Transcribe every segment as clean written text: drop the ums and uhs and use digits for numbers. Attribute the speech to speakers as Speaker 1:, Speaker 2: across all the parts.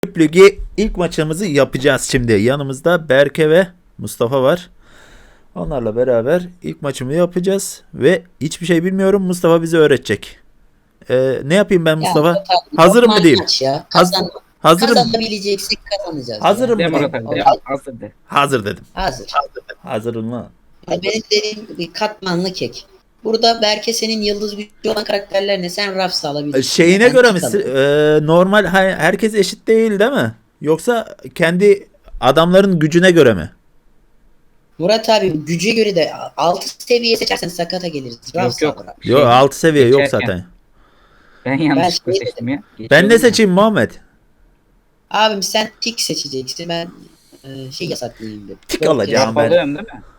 Speaker 1: Ligi ilk maçımızı yapacağız şimdi. Yanımızda Berke ve Mustafa var. Onlarla beraber ilk maçımı yapacağız ve hiçbir şey bilmiyorum. Mustafa bize öğretecek. Ne yapayım ben
Speaker 2: Ya
Speaker 1: Mustafa?
Speaker 2: Murat abi,
Speaker 1: Hazırım mı
Speaker 2: normal
Speaker 1: diyeyim?
Speaker 2: maç ya.
Speaker 1: Hazırım.
Speaker 2: Kazanabileceksek kazanacağız
Speaker 1: Hazırım
Speaker 2: ya.
Speaker 1: mı
Speaker 3: De
Speaker 1: diyeyim?
Speaker 3: Murat abi de.
Speaker 2: Al-
Speaker 3: Hazır de.
Speaker 1: Hazır dedim.
Speaker 2: Hazır.
Speaker 1: Hazırım mı?
Speaker 2: Ya benim dediğim bir katmanlı kek. Burada Berke senin yıldız gücü olan karakterler ne? Sen Rafs alabilirsin.
Speaker 1: Şeyine
Speaker 2: Ben
Speaker 1: göre mi?
Speaker 2: Tik alırım.
Speaker 1: Normal herkes eşit değil mi? Yoksa kendi adamların gücüne göre mi?
Speaker 2: Murat abi güce göre de 6 seviye seçersen sakata geliriz. Rafs
Speaker 3: yok.
Speaker 2: al abi.
Speaker 1: Yok, 6 seviye yok
Speaker 3: geçerken.
Speaker 1: zaten.
Speaker 3: Ben yanlışlıkla
Speaker 2: Ben
Speaker 3: seçtim ya.
Speaker 1: Ben
Speaker 3: Geçiyorum
Speaker 1: ne
Speaker 3: ya.
Speaker 1: seçeyim Muhammed?
Speaker 2: Abim sen tik seçeceksin. Ben yasaklayayım dedim.
Speaker 1: Tik
Speaker 2: Dört
Speaker 1: alacağım
Speaker 2: yıl-
Speaker 1: ben.
Speaker 3: Alıyorum değil mi?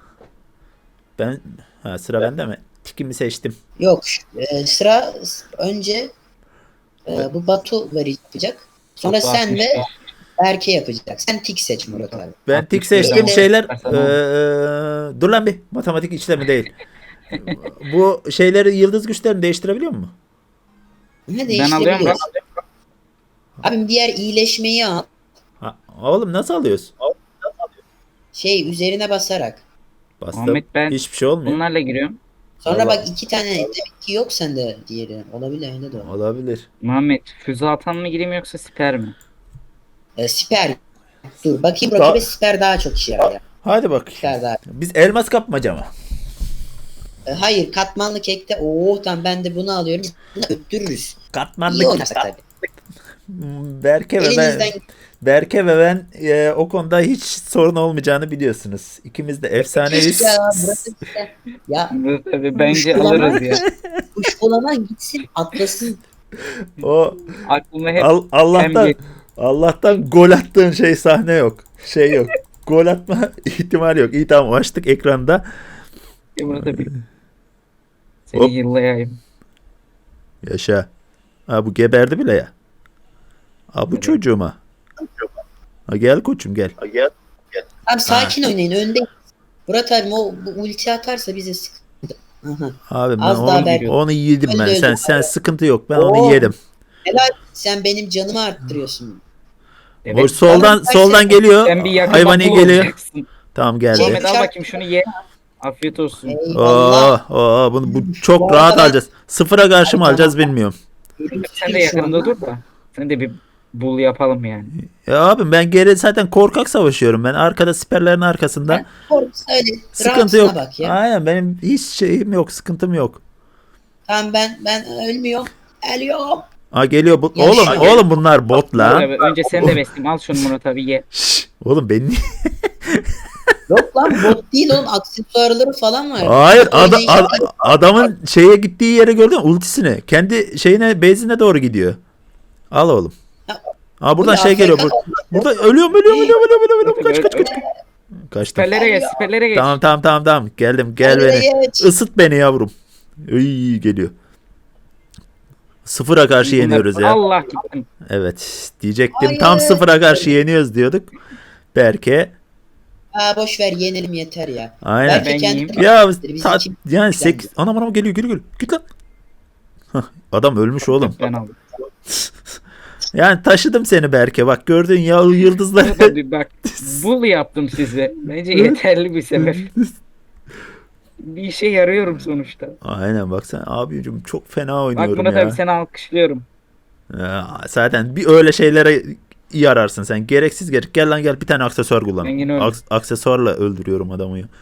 Speaker 1: Sıra bende mi? Tikimi seçtim.
Speaker 2: Yok. Sıra önce bu Batu yapacak. Sonra
Speaker 3: Çok
Speaker 2: sen ve
Speaker 3: 65.
Speaker 2: Berke yapacak. Sen tik seç Murat abi.
Speaker 1: Ben tik
Speaker 3: 65
Speaker 1: seçtiğim
Speaker 2: ama-
Speaker 1: şeyler
Speaker 3: Bakarsan
Speaker 1: dur lan bir matematik işlemi değil. Bu şeyleri yıldız güçlerini değiştirebiliyor mu?
Speaker 2: Ne
Speaker 3: Ben alıyorum
Speaker 2: değiştirebiliyoruz?
Speaker 3: lan.
Speaker 2: Abim diğer iyileşmeyi al.
Speaker 1: Oğlum nasıl alıyorsun?
Speaker 2: Üzerine basarak.
Speaker 1: Bastım.
Speaker 3: Muhammed, ben
Speaker 1: Hiçbir şey olmuyor.
Speaker 3: Bunlarla giriyorum.
Speaker 2: Sonra
Speaker 1: Allah.
Speaker 2: bak 2 tane demek ki yok sende diğeri. Olabilir öyle de olur.
Speaker 1: Olabilir.
Speaker 3: Muhammed füze atan mı gireyim yoksa siper mi?
Speaker 2: Siper. Dur bakayım
Speaker 1: Daha-
Speaker 2: rakibe siper daha çok işe yarar.
Speaker 1: Hadi bak.
Speaker 2: Siper daha.
Speaker 1: Biz elmas kapmaca mı?
Speaker 2: Hayır katmanlı kekte. Tamam ben de bunu alıyorum. Bunu öttürürüz.
Speaker 1: Katmanlı
Speaker 2: İyi oynarsak tabii. Elinizden
Speaker 1: Berke ve ben o konuda hiç sorun olmayacağını biliyorsunuz. İkimiz de efsaneyiz.
Speaker 2: Ya burası işte. Ya
Speaker 3: Murat abi bence
Speaker 2: Kuşkulama.
Speaker 3: alırız ya.
Speaker 2: kuşkulama gitsin atlasın.
Speaker 1: O
Speaker 3: Aklıma hep
Speaker 1: Allah'tan
Speaker 3: hem-
Speaker 1: Allah'tan gol attığın sahne yok. Şey yok. Gol atma ihtimali yok. İyi, tamam, açtık ekranda.
Speaker 3: Murat abi.
Speaker 1: Hop.
Speaker 3: Seni yıllayayım.
Speaker 1: Yaşa. Ha, bu geberdi bile ya. Ha, bu
Speaker 3: Evet.
Speaker 1: çocuğuma. Ha, gel koçum gel.
Speaker 2: Abi sakin oynayın önde. Murat abi bu ulti atarsa bize sıkıntı. Aha.
Speaker 1: Abi ben
Speaker 2: Az daha Berke.
Speaker 1: onu yedim ben.
Speaker 2: Öldü, öldü.
Speaker 1: Sen sıkıntı yok. Ben
Speaker 2: Oo.
Speaker 1: onu yedim.
Speaker 2: Helal sen benim canımı arttırıyorsun.
Speaker 1: O soldan
Speaker 2: Sen-
Speaker 1: geliyor.
Speaker 3: Sen bir yakın
Speaker 1: Hayvani
Speaker 3: bak, bu
Speaker 1: geliyor.
Speaker 3: olacaksın.
Speaker 1: Tamam, geldi.
Speaker 3: Muhammed al
Speaker 2: Çarp-
Speaker 3: bakayım şunu ye. Afiyet olsun.
Speaker 2: Eyvallah.
Speaker 1: Bu çok
Speaker 2: Bu
Speaker 1: rahat
Speaker 2: arada-
Speaker 1: alacağız. Sıfıra karşı mı
Speaker 2: Abi,
Speaker 1: alacağız bilmiyorum.
Speaker 3: Sen de yakınımda dur da. Sen de bir bul yapalım yani.
Speaker 1: Ya abim, ben zaten korkak savaşıyorum. Ben arkada siperlerin arkasında.
Speaker 2: Öyle.
Speaker 1: Sıkıntı
Speaker 2: Rahatsına
Speaker 1: yok.
Speaker 2: Bak ya.
Speaker 1: Aynen, benim hiç şeyim yok, sıkıntım yok.
Speaker 2: Tamam ben ölmüyorum. Ölüyorum.
Speaker 1: Ha, geliyor bu.
Speaker 2: Ya
Speaker 1: Oğlum
Speaker 2: şu-
Speaker 1: oğlum bunlar bot
Speaker 3: Murat
Speaker 1: lan.
Speaker 3: abi, önce sen de besleyeyim. Al şunu Murat abi ye.
Speaker 1: Şşş, oğlum ben niye?
Speaker 2: Yok lan bot değil oğlum aksesuarları falan var.
Speaker 1: Hayır,
Speaker 2: Oynayışa-
Speaker 1: adamın şeye gittiği yere gördün mü? Ultisine. Kendi base'ine doğru gidiyor. Al oğlum. Ha, buradan
Speaker 2: Bu ne,
Speaker 1: geliyor.
Speaker 2: Afrika-
Speaker 1: Burada ölüyorum. Kaç. Kaçtım.
Speaker 3: Siperlere geç, siperlere geç.
Speaker 1: Tamam. Geldim. Gel
Speaker 2: Oraya
Speaker 1: beni.
Speaker 2: geç.
Speaker 1: Isıt beni yavrum. İyi geliyor. Sıfıra karşı yeniyoruz ya.
Speaker 3: Allah gittim.
Speaker 1: Evet. Diyecektim.
Speaker 2: Hayır.
Speaker 1: Tam sıfıra karşı yeniyoruz diyorduk. Berke.
Speaker 2: Boş ver yenelim yeter ya.
Speaker 1: Aynen.
Speaker 3: Ben yiyeyim.
Speaker 1: Ya
Speaker 2: Biz iki-
Speaker 1: yani 8 anam geliyor. Git lan. Hah, adam ölmüş oğlum.
Speaker 3: Ben aldım.
Speaker 1: Yani taşıdım seni Berke. Bak gördün ya, yıldızlar.
Speaker 3: Murat abi bak, bul yaptım size. Bence yeterli bir sebep. Bir işe yarıyorum sonuçta.
Speaker 1: Aynen, bak sen abicim, çok fena
Speaker 3: Bak
Speaker 1: oynuyorum
Speaker 3: Murat
Speaker 1: ya.
Speaker 3: abi, seni alkışlıyorum.
Speaker 1: Ya, zaten bir öyle şeylere iyi ararsın sen. Gereksiz gel lan gel, bir tane aksesuar kullan.
Speaker 3: Ben yine öyle.
Speaker 1: Aksesuarla öldürüyorum adamı ya.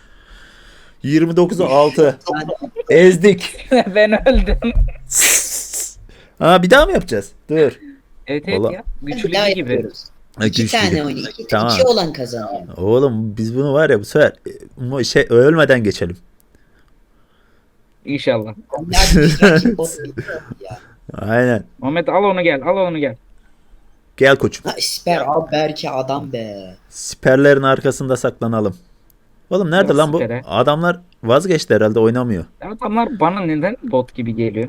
Speaker 1: 29'a 6. Ezdik.
Speaker 3: Ben öldüm.
Speaker 1: Ha, bir daha mı yapacağız? Dur.
Speaker 3: Evet
Speaker 1: Vallahi-
Speaker 3: ya.
Speaker 2: Bir
Speaker 3: Güçlü
Speaker 2: daha
Speaker 3: gibi.
Speaker 2: yapıyoruz.
Speaker 1: Ha,
Speaker 2: 2
Speaker 1: güçlü
Speaker 2: tane
Speaker 1: gibi.
Speaker 2: oynuyor.
Speaker 1: Tamam.
Speaker 2: 2 olan kazanıyor.
Speaker 1: Oğlum biz bunu var ya, bu sefer ölmeden geçelim.
Speaker 3: İnşallah.
Speaker 2: Ya biz rakip bot değil ya.
Speaker 1: Aynen.
Speaker 3: Muhammed al onu gel. Al onu gel.
Speaker 1: Gel koçum.
Speaker 2: Siper abi belki adam be.
Speaker 1: Siperlerin arkasında saklanalım. Oğlum nerede
Speaker 3: Yok,
Speaker 1: lan bu?
Speaker 3: sipere.
Speaker 1: Adamlar vazgeçti herhalde, oynamıyor.
Speaker 3: Adamlar bana neden bot gibi geliyor?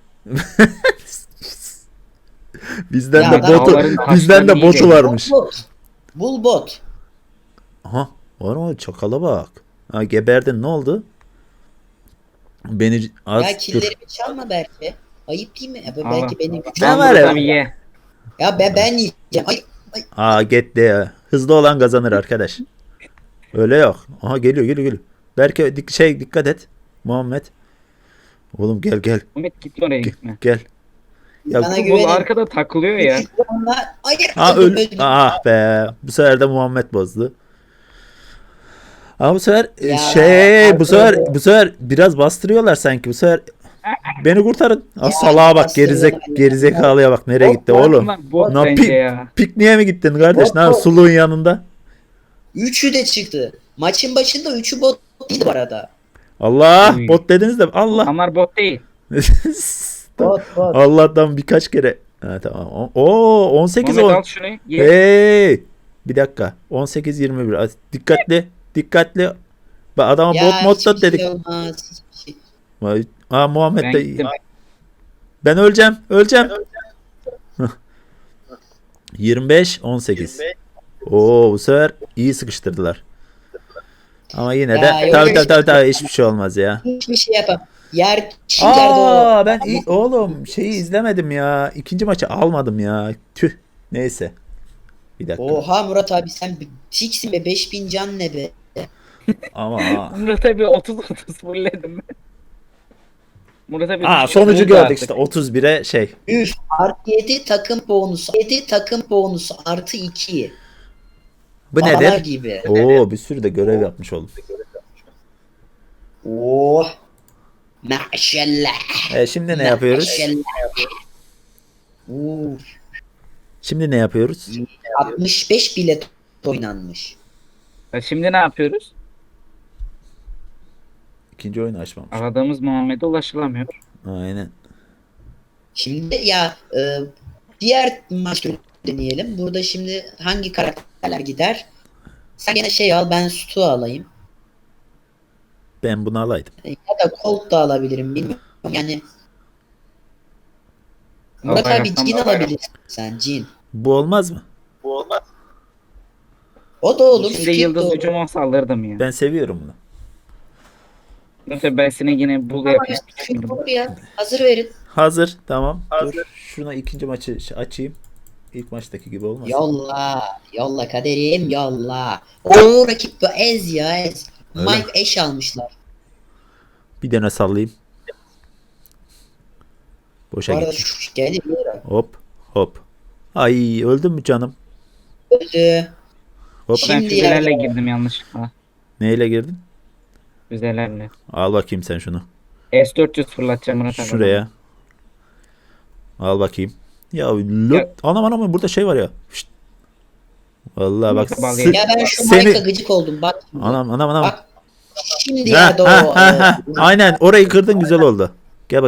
Speaker 1: Bizden
Speaker 2: Ya
Speaker 1: de
Speaker 2: ben-
Speaker 1: botu
Speaker 3: Dağların
Speaker 1: bizden de
Speaker 3: taşlarını
Speaker 1: botu
Speaker 3: iyi
Speaker 1: varmış.
Speaker 2: Bul bot.
Speaker 1: Aha, var mı, çakala bak. Ha, geberdin, ne oldu? Beni az
Speaker 2: Ya
Speaker 1: dur.
Speaker 2: killerimi çalma belki. Ayıp değil mi?
Speaker 3: Allah.
Speaker 2: Belki benim gücüm.
Speaker 1: Ne
Speaker 3: Al
Speaker 1: var
Speaker 3: Murat
Speaker 1: ya?
Speaker 3: abi ye.
Speaker 2: Ya ben yiyeceğim. Ay
Speaker 1: Aa gitti ya. Hızlı olan kazanır arkadaş. Öyle yok. Aha geliyor. Berke dikkat et. Muhammed. Oğlum gel.
Speaker 3: Ahmet gitme oraya gitme.
Speaker 1: Gel. Ya
Speaker 2: Bana
Speaker 3: Bu
Speaker 2: güvenin.
Speaker 3: arkada takılıyor ya.
Speaker 2: Hayır.
Speaker 1: ha
Speaker 2: öldüm.
Speaker 1: Ah be. Bu sefer de Muhammed bozdu. Ama bu sefer
Speaker 2: Ya,
Speaker 1: bu sefer biraz bastırıyorlar sanki. Bu sefer beni kurtarın. Ah
Speaker 2: Ya,
Speaker 1: salağa bak
Speaker 2: bastırıyorlar.
Speaker 1: gerizekalıya bak nereye gitti oğlum.
Speaker 3: Bot
Speaker 1: Na,
Speaker 3: bence ya.
Speaker 1: pikniğe mi gittin kardeş?
Speaker 2: Bot,
Speaker 1: Ne
Speaker 2: bot.
Speaker 1: suluğun yanında?
Speaker 2: Üçü de çıktı. Maçın başında üçü bot değil bu arada.
Speaker 1: Allah
Speaker 3: Uy.
Speaker 1: bot dediniz de Allah.
Speaker 3: Onlar bot değil.
Speaker 2: Bot.
Speaker 1: Allah'tan birkaç kere. Ha, tamam. O 18
Speaker 3: Ahmet
Speaker 1: 10.
Speaker 3: al şunu. Ye.
Speaker 1: Hey! Bir dakika. 18 21. Dikkatli. Bak adama
Speaker 2: Ya,
Speaker 1: bot modda
Speaker 2: hiçbir
Speaker 1: dedik.
Speaker 2: şey olmaz. Hiçbir şey.
Speaker 1: Muhammed
Speaker 3: Ben
Speaker 1: de
Speaker 3: gittim.
Speaker 1: ben öleceğim. Hıh. 25 18. Oo bu sefer iyi sıkıştırdılar. Ama yine
Speaker 2: Ya,
Speaker 1: de
Speaker 2: yok,
Speaker 1: tabii hiçbir şey olmaz ya.
Speaker 2: Hiçbir şey yapamam. Çim yerde o.
Speaker 1: Aa ben oğlum şeyi izlemedim ya. İkinci maçı almadım ya. Tüh. Neyse. Bir dakika.
Speaker 2: Oha Murat abi sen tiksin be 5000 can ne be.
Speaker 1: Ama
Speaker 3: Murat abi 30 fulledim ben. Murat abi
Speaker 1: sonucu
Speaker 3: vurdu
Speaker 1: gördük
Speaker 3: artık.
Speaker 1: işte 31'e şey.
Speaker 2: Üf artı 7 takım bonusu. 7 takım bonusu artı 2.
Speaker 1: Bu
Speaker 2: Bana
Speaker 1: nedir?
Speaker 2: gibi.
Speaker 1: Oo bir sürü de görev yapmış oldum.
Speaker 2: Oh. Maşallah.
Speaker 1: Şimdi ne yapıyoruz?
Speaker 2: Maşallah. Uf.
Speaker 1: Şimdi ne yapıyoruz?
Speaker 2: 65 bilet oynanmış.
Speaker 3: Şimdi ne yapıyoruz?
Speaker 1: İkinci oyunu açmamış.
Speaker 3: Aradığımız Muhammed'e ulaşılamıyor.
Speaker 1: Aynen.
Speaker 2: Şimdi diğer maç türü deneyelim. Burada şimdi hangi karakterler gider? Sen gene şey al ben Stu alayım.
Speaker 1: Ben bunu alaydım.
Speaker 2: Ya da Colt da alabilirim bilmiyorum. Yani Murat
Speaker 3: Al
Speaker 2: abi
Speaker 3: bayraktan
Speaker 2: Jin
Speaker 3: da bayrak.
Speaker 2: alabilirsin sen Jin.
Speaker 1: Bu olmaz mı?
Speaker 2: O da olur.
Speaker 3: Size
Speaker 2: Skip de
Speaker 3: yıldız
Speaker 2: olur.
Speaker 3: gücümü saldırdım ya.
Speaker 1: Ben seviyorum bunu.
Speaker 3: Murat abi ben seni yine bul
Speaker 2: Ama
Speaker 3: yapayım.
Speaker 2: Skip olur ya. Hazır verin.
Speaker 1: Hazır. Tamam. Dur. Şuna ikinci maçı açayım. İlk maçtaki gibi olmasın.
Speaker 2: Yolla. Yolla kaderim yolla. O rakip bu ez ya ez.
Speaker 1: Öyle
Speaker 2: Mike eş almışlar.
Speaker 1: Bir tane sallayayım. Boşa
Speaker 2: Bu arada
Speaker 1: gitti.
Speaker 2: şu geldi bir yere.
Speaker 1: Hop. Ay öldün mü canım?
Speaker 2: Öldü.
Speaker 1: Hop.
Speaker 3: Ben
Speaker 2: Şimdi
Speaker 3: füzelerle
Speaker 2: ya.
Speaker 3: girdim yanlışlıkla.
Speaker 1: Neyle girdin?
Speaker 3: Füzelerle.
Speaker 1: Al bakayım sen şunu.
Speaker 3: S400 fırlatacağım Murat abi.
Speaker 1: Şuraya. Al bakayım. Ya
Speaker 3: Ya-
Speaker 1: anam burada şey var ya. Şşt. Vallahi bak.
Speaker 3: Neyse, bağlayayım.
Speaker 2: Ya ben şu
Speaker 1: Seni-
Speaker 2: Mike'a gıcık oldum bak. Şimdi.
Speaker 1: Anam.
Speaker 2: Bak. Şimdi
Speaker 1: Ha,
Speaker 2: ya da o.
Speaker 1: ha. Aynen orayı kırdın güzel oldu. Gel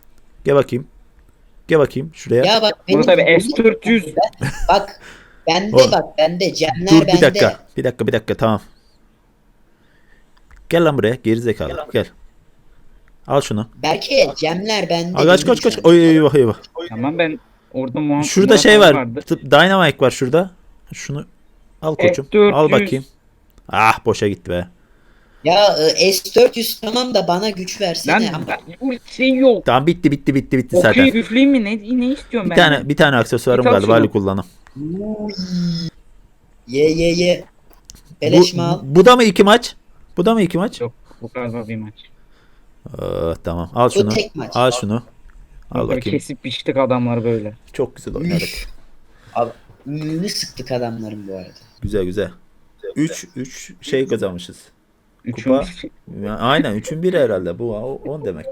Speaker 1: bakayım şuraya.
Speaker 2: Ya bak
Speaker 3: Murat abi S400.
Speaker 2: Bak bende
Speaker 1: Oğlum.
Speaker 2: bak bende Cemler
Speaker 1: Dur
Speaker 2: bende.
Speaker 1: bir dakika tamam. Gel lan buraya gerizekalı gel. Al şunu.
Speaker 2: Belki Cemler bende.
Speaker 1: Aa, kaç.
Speaker 2: dedim sen.
Speaker 1: Oy eyvah.
Speaker 3: Tamam ben orada Muhammed.
Speaker 1: Şurada şey var. Dynamite var şurada. Şunu al koçum.
Speaker 3: F400.
Speaker 1: Al bakayım. Ah boşa gitti be.
Speaker 2: Ya S400 tamam da bana güç versene.
Speaker 3: Lan
Speaker 2: Ama
Speaker 3: ulti yok.
Speaker 1: Tamam bitti zaten.
Speaker 3: Okey üfleyeyim mi? Ne istiyorum ben?
Speaker 1: Bir tane aksesuarım
Speaker 3: Git al
Speaker 1: galiba
Speaker 3: şunu.
Speaker 1: hali kullanım.
Speaker 2: Ye. Beleş mi al?
Speaker 1: Bu da mı iki maç?
Speaker 3: Yok bu galiba bir maç.
Speaker 1: Tamam al
Speaker 2: Bu
Speaker 1: şunu.
Speaker 2: tek maç.
Speaker 1: Al şunu. Al
Speaker 3: Böyle
Speaker 1: bakayım.
Speaker 3: kesip biçtik adamlar böyle.
Speaker 1: Çok güzel oynadık.
Speaker 2: Abi ünlü sıktık adamların bu arada.
Speaker 1: Güzel. 3 şey kazanmışız.
Speaker 3: Üçün
Speaker 1: Kupa. Aynen 3'ün biri herhalde bu 10 demek.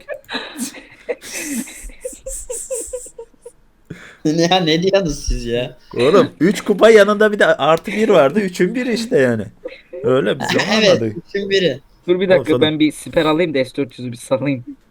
Speaker 2: Ne diyorsunuz siz ya?
Speaker 1: Oğlum 3 kupa yanında bir de artı 1 vardı. 3'ün biri işte yani. Öyle biz onu
Speaker 2: Evet,
Speaker 1: anladık.
Speaker 2: üçün biri.
Speaker 3: Dur bir dakika
Speaker 1: Olsa da-
Speaker 3: ben bir siper alayım da S400'ü bir salayım.